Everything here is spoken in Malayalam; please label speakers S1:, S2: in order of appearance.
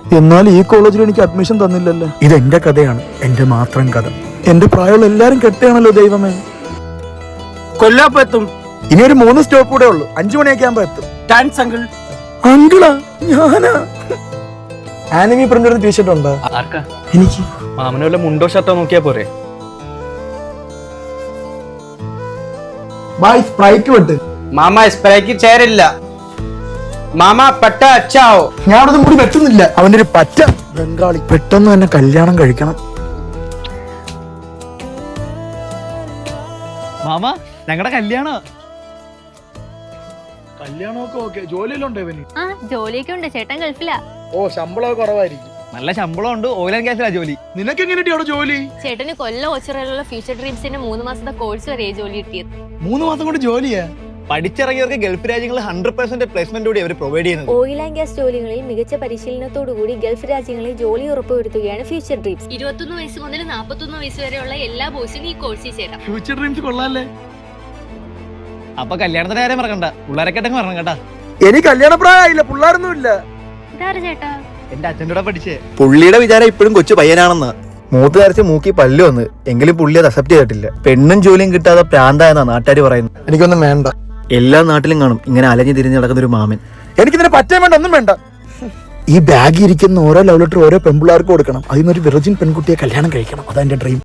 S1: എന്നാൽ ഈ കോളേജിൽ എനിക്ക് അഡ്മിഷൻ തന്നില്ലല്ലോ. ഇതെന്റെ കഥയാണ്, എന്റെ മാത്രം കഥ. എന്റെ പ്രായമുള്ള എല്ലാരും കെട്ടുകയാണല്ലോ ദൈവമേ.
S2: കൊല്ലപ്പോ എത്തും.
S1: ഇനി ഒരു 3 സ്റ്റോപ്പ് കൂടെ ഉള്ളു. 5 മണിയൊക്കെ ആകുമ്പോ എത്തും.
S2: Thanks uncle.
S1: അങ്കിളാ? ഞാനാ? ആനിമി പ്രിന്റ് ടീഷർട്ട് ഉണ്ടോ?
S3: ആർക്കാ?
S1: എനിക്ക്.
S3: മാമന് വല്ല മുണ്ടോ ഷർട്ടോ നോക്കിയാ പോരെ?
S1: ബൈ സ്പ്രൈറ്റ് വിട്ട്.
S2: മാമ സ്പ്രേക്ക് ചേരില്ല. മാമ പട്ട അച്ചാവോ.
S1: ഞാൻ അവിടെ മുടി വെട്ടുന്നില്ല. അവന്റെ ഒരു പറ്റ ബംഗാളി. പെട്ടെന്ന് തന്നെ കല്യാണം കഴിക്കണം.
S3: മാമ ഞങ്ങളുടെ
S1: കല്യാണമൊക്കെ ഓക്കെ. ജോലിയിലുണ്ടോ ഇവന്?
S4: ആ ജോലിയൊക്കെ ഉണ്ട്. ചേട്ടൻ ഗൾഫിലാ.
S1: ഓ, ശമ്പളമൊക്കെ കുറവായിരിക്കും.
S3: നല്ല ശമ്പളം ഉണ്ട്. ഓയിൽ ആൻഡ് ഗ്യാസിലാ ജോലി.
S1: നിനക്ക് എങ്ങനെയാ അവിടെ ജോലി?
S4: ചേട്ടന് കൊല്ലം ഓച്ചിറയിലുള്ള ഫ്യൂച്ചർ ഡ്രീംസിന്റെ 3 മാസത്തെ കോഴ്സ് വരെ ജോലി കിട്ടിയത്.
S1: 3 മാസം കൊണ്ട് ജോലിയാ?
S3: പഠിച്ചിറങ്ങിയവർക്ക് ഗൾഫ് രാജ്യങ്ങളിൽ 100% പ്ലേസ്മെന്റ് കൂടി അവർ പ്രൊവൈഡ് ചെയ്യുന്നത്.
S5: ഓയിൽ ആൻഡ് ഗ്യാസ് ജോലികളിൽ മികച്ച പരിശീലനത്തോടുകൂടി ഗൾഫ് രാജ്യങ്ങളിൽ ജോലി ഉറപ്പുവരുത്തുകയാണ് ഫ്യൂച്ചർ ഡ്രീംസ്.
S4: 21 വയസ്സ് മുതൽ 41 വയസ്സ് വരെയുള്ള എല്ലാ ബോയ്സിനും ഈ കോഴ്സിൽ ചേരാം.
S1: ഫ്യൂച്ചർ ഡ്രീംസ് കൊള്ളാല്ലേ?
S3: അപ്പൊ കല്യാണത്തിന്റെ കാര്യം മറക്കണ്ട. പിള്ളേരൊക്കെ പറഞ്ഞു കേട്ടാ.
S1: എനിക്ക് കല്യാണ പ്രായമായില്ല, പിള്ളേരൊന്നും ഇല്ല.
S4: ഇതാര് ചേട്ടാ?
S3: എന്റെ അച്ഛൻ്റെ കൂടെ പഠിച്ചേ.
S6: പുള്ളിയുടെ വിചാരം ഇപ്പോഴും കൊച്ചു പയ്യനാണെന്ന്. മൂത്ത് ധരിച്ച് മൂക്കി പല്ലു വന്ന്, എങ്കിലും പുള്ളി അത് അക്സെപ്റ്റ് ചെയ്തിട്ടില്ല. പെണ്ണും ജോലിയും കിട്ടാതെ പ്രാന്തായെന്നാ നാട്ടുകാർ പറയുന്നത്.
S1: എനിക്കൊന്നും വേണ്ട.
S6: എല്ലാ നാട്ടിലും കാണും ഇങ്ങനെ അലഞ്ഞു തിരിഞ്ഞ് നടക്കുന്ന ഒരു മാമൻ.
S1: എനിക്കിതിനെ പറ്റാൻ വേണ്ട, ഒന്നും വേണ്ട. ഈ ബാഗിൽ ഇരിക്കുന്ന ഓരോ ലവ് ലെറ്റർ ഓരോ പെൺപിള്ളേർക്ക് കൊടുക്കണം. അതിനൊരു വിർജിൻ പെൺകുട്ടിയെ കല്യാണം കഴിക്കണം. അതാ എന്റെ ഡ്രീം.